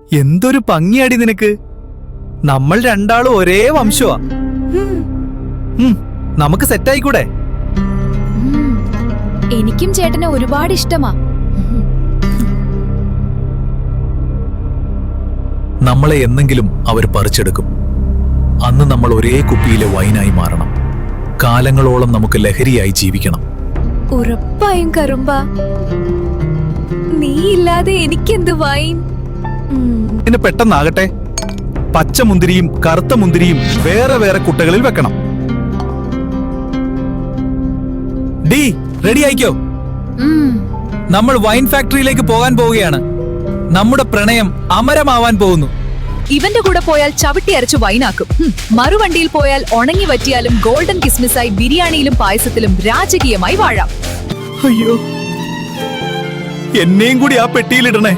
എന്തൊരു ഭംഗിയാടി നിനക്ക്. നമ്മൾ രണ്ടാളും ഒരേ വംശമാ. നമുക്ക് സെറ്റായിക്കൂടെ? എനിക്കും ചേട്ടനെ ഒരുപാട് ഇഷ്ടമാ. നമ്മളെ എന്നെങ്കിലും അവർ പറിച്ചെടുക്കും. അന്ന് നമ്മൾ ഒരേ കുപ്പിയിലെ വൈനായി മാറണം. കാലങ്ങളോളം നമുക്ക് ലഹരിയായി ജീവിക്കണം. ഉറപ്പായും കറുമ്പ. നീ ഇല്ലാതെ എനിക്കെന്ത് വൈൻ. പിന്നെ പെട്ടെന്നാകട്ടെ. പച്ച മുന്തിരിയും കറുത്ത മുന്തിരിയും വേറെ വേറെ കുട്ടകളിൽ വെക്കണം. ഡി റെഡി ആയിക്കോ. നമ്മൾ വൈൻ ഫാക്ടറിയിലേക്ക് പോകാൻ പോവുകയാണ്. നമ്മുടെ പ്രണയം അമരമാവാൻ പോകുന്നു. ഇവന്റെ കൂടെ പോയാൽ ചവിട്ടി അരച്ചു വൈനാക്കും. മറുവണ്ടിയിൽ പോയാൽ ഉണങ്ങി വറ്റിയാലും ഗോൾഡൻ കിസ്മിസായി ബിരിയാണിയിലും പായസത്തിലും രാജകീയമായി വാഴാം. അയ്യോ, എന്നെയും കൂടി ആ പെട്ടിയിലിടണേ.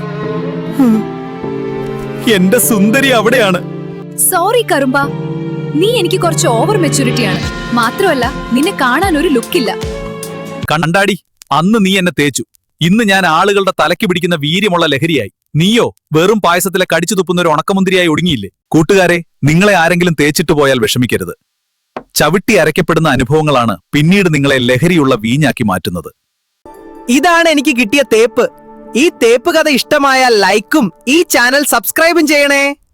എന്റെ സുന്ദരി അവിടെയാണ്. സോറി കറുമ്പ, നീ എനിക്ക് കുറച്ച് ഓവർ മെച്ചൂരിറ്റിയാണ്. മാത്രമല്ല നിന്നെ കാണാൻ ഒരു ലുക്കില്ല. കണ്ടാടി, അന്ന് നീ എന്നെ തേച്ചു. ഇന്ന് ഞാൻ ആളുകളുടെ തലയ്ക്ക് പിടിക്കുന്ന വീര്യമുള്ള ലഹരിയായി. നീയോ വെറും പായസത്തിലെ കടിച്ചു തുപ്പുന്ന ഒരു ഉണക്കമുന്തിരിയായി ഒടുങ്ങിയില്ലേ? കൂട്ടുകാരെ, നിങ്ങളെ ആരെങ്കിലും തേച്ചിട്ട് പോയാൽ വിഷമിക്കരുത്. ചവിട്ടി അരയ്ക്കപ്പെടുന്ന അനുഭവങ്ങളാണ് പിന്നീട് നിങ്ങളെ ലഹരിയുള്ള വീഞ്ഞാക്കി മാറ്റുന്നത്. ഇതാണ് എനിക്ക് കിട്ടിയ തേപ്പ്. ഈ തേപ്പ് കഥ ഇഷ്ടമായാൽ ലൈക്കും ഈ ചാനൽ സബ്സ്ക്രൈബും ചെയ്യണേ.